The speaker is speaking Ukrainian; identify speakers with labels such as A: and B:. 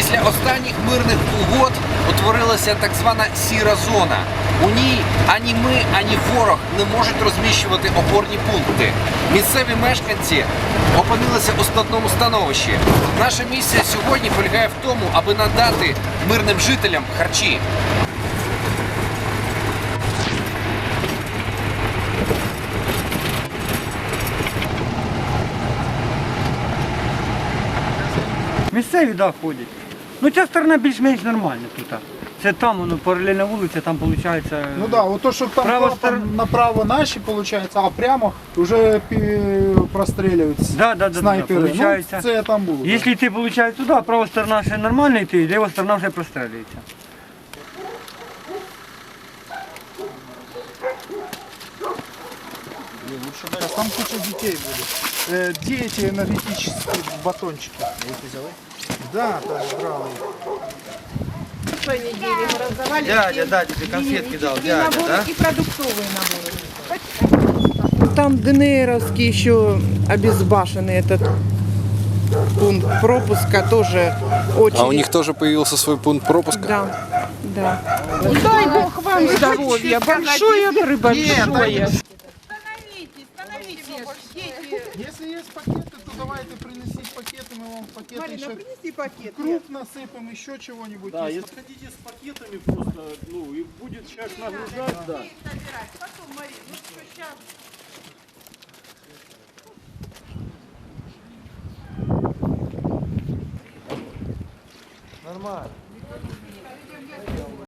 A: Після останніх мирних угод утворилася так звана сіра зона. У ній ані ми, ані ворог не можуть розміщувати опорні пункти. Місцеві мешканці опинилися у складному становищі. Наша місія сьогодні полягає в тому, аби надати мирним жителям харчі.
B: Місцеві, да, ходять. Ну, ця сторона більш-менш нормальна тут. Це там, воно, паралельна вулиця, там виходить...
C: Ну да, вот то, что там
B: Право
C: направо наши получается, а прямо уже простреливаются
B: Да,
C: снайперы.
B: получається.
C: Ну, це там було.
B: Якщо йти, виходить, туди, права сторона ще нормально йти, ліва сторона вже прострілюється.
C: Сейчас там куча детей будет. Где эти энергетические батончики? Да, там брал их.
D: прошлой неделе мы раздавали.
B: Дядя тебе конфетки дал, дядя, да?
D: И продуктовые наборы. Там ДНРовский еще обезбашенный этот пункт пропуска тоже очень.
A: А у них тоже появился свой пункт пропуска?
D: Да, да. Дай Бог вам здоровья, большое большое.
C: Если есть пакеты, то давайте принесите пакеты, мы вам пакеты
D: Марина,
C: еще
D: принеси пакет.
C: круп насыпем, еще чего-нибудь.
E: Да,
C: Если-
E: если хотите с пакетами просто, ну, и будет человек нагружать, да.
D: Потом, Марина, ну что, сейчас.
B: Нормально.